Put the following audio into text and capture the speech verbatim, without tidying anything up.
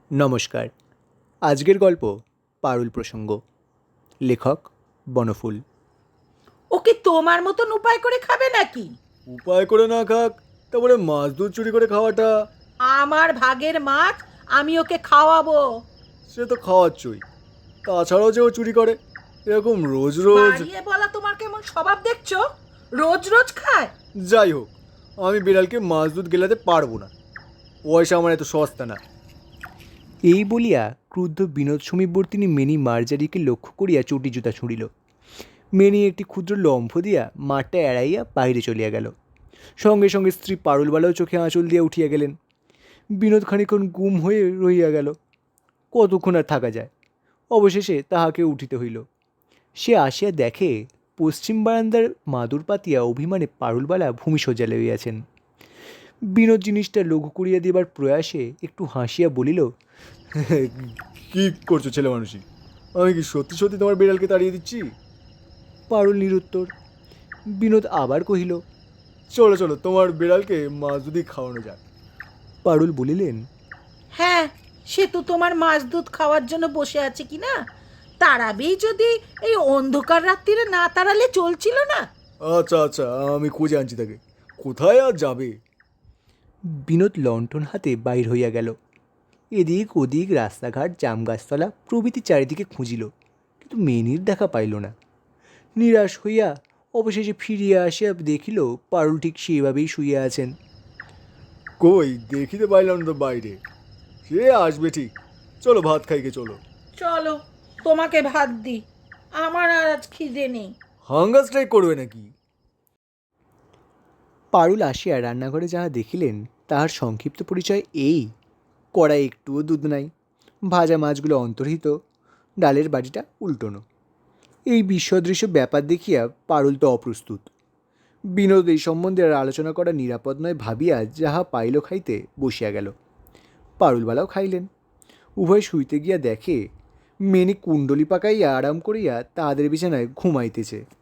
নমস্কার। আজকের গল্প পারুল প্রসঙ্গ। লেখক বনফুল। ও কি তোমার মতন উপায় করে খাবে নাকি? উপায় করে না খাক, তারপরে মাছ দুধ চুরি করে খাওয়াটা, আমার ভাগের মাছ আমি ওকে খাওয়াবো। সে তো খাওয়াচ্ছই। তাছাড়াও যে ও চুরি করে, এরকম রোজ রোজ। বাড়িয়ে বলা তোমার কেমন স্বভাব দেখছো? রোজ রোজ খায়? যাই হোক, আমি বিড়ালকে মাছ দুধ গেলাতে পারবো না। পয়সা আমার এত সস্তা না। এই বলিয়া ক্রুদ্ধ বিনোদ সমীপবর্তিনী মেনি মার্জারিকে লক্ষ্য করিয়া চটি জুতা ছুঁড়িল। মেনি একটি ক্ষুদ্র লম্ফ দিয়া মাঠটা এড়াইয়া বাহিরে চলিয়া গেল। সঙ্গে সঙ্গে স্ত্রী পারুলবালাও চোখে আঁচল দিয়া উঠিয়া গেলেন। বিনোদ খানিক্ষণ গুম হয়ে রহিয়া গেল। কতক্ষণ আর থাকা যায়? অবশেষে তাহাকে উঠিতে হইল। সে আসিয়া দেখে পশ্চিম বারান্দার মাদুর পাতিয়া অভিমানে পারুলবালা ভূমিশয্যা লইয়াছেন। বিনোদ জিনিসটা লঘু করিয়া দিবার প্রয়াসে একটু হাসিয়া বলিল, কি করছো ছেলে মানুষই? আমি কি সত্যি সত্যি তোমার বিড়ালকে তাড়িয়ে দিচ্ছি? পারুল নিরুত্তর। বিনোদ আবার কহিল, চলো চলো, তোমার বিড়ালকে মাছ দুধই খাওয়ানো যাক। পারুল বলিলেন, হ্যাঁ, সে তো তোমার মাছ দুধ খাওয়ার জন্য বসে আছে কি না? তাড়াবেই যদি এই অন্ধকার রাত্রিরে না তাড়ালে চলছিল না। আচ্ছা আচ্ছা, আমি খুঁজে আনছি তাকে। কোথায় আর যাবে? বিনোদ লণ্ঠন হাতে বাইর হইয়া গেল। এদিক ওদিক রাস্তাঘাট জাম গাছতলা প্রভৃতি চারিদিকে খুঁজিল, কিন্তু মেনির দেখা পাইল না। নিরাশ হইয়া অবশেষে ফিরিয়া আসিয়া দেখিল পারুল ঠিক সেইভাবেই শুইয়া আছেন। কই দেখিতে পাইলাম না তো বাইরে। সে আসবে ঠিক। চলো ভাত খাইকে চলো। চলো, তোমাকে ভাত দি, আমার আর আজ খিদে নেই। হাঙ্গার স্ট্রাইক করবে নাকি? পারুল আসিয়া রান্নাঘরে যাহা দেখিলেন তাহার সংক্ষিপ্ত পরিচয় এই: কড়াই একটুও দুধ নাই, ভাজা মাছগুলো অন্তর্হিত, ডালের বাটিটা উল্টোনো। এই বিশ্বদৃশ্য ব্যাপার দেখিয়া পারুল তো অপ্রস্তুত। বিনোদ এই সম্বন্ধে আর আলোচনা করা নিরাপদ নয় ভাবিয়া যাহা পাইল খাইতে বসিয়া গেল। পারুলবালাও খাইলেন। উভয় শুইতে গিয়া দেখে মেনি কুণ্ডলি পাকাইয়া আরাম করিয়া তাহাদের বিছানায় ঘুমাইতেছে।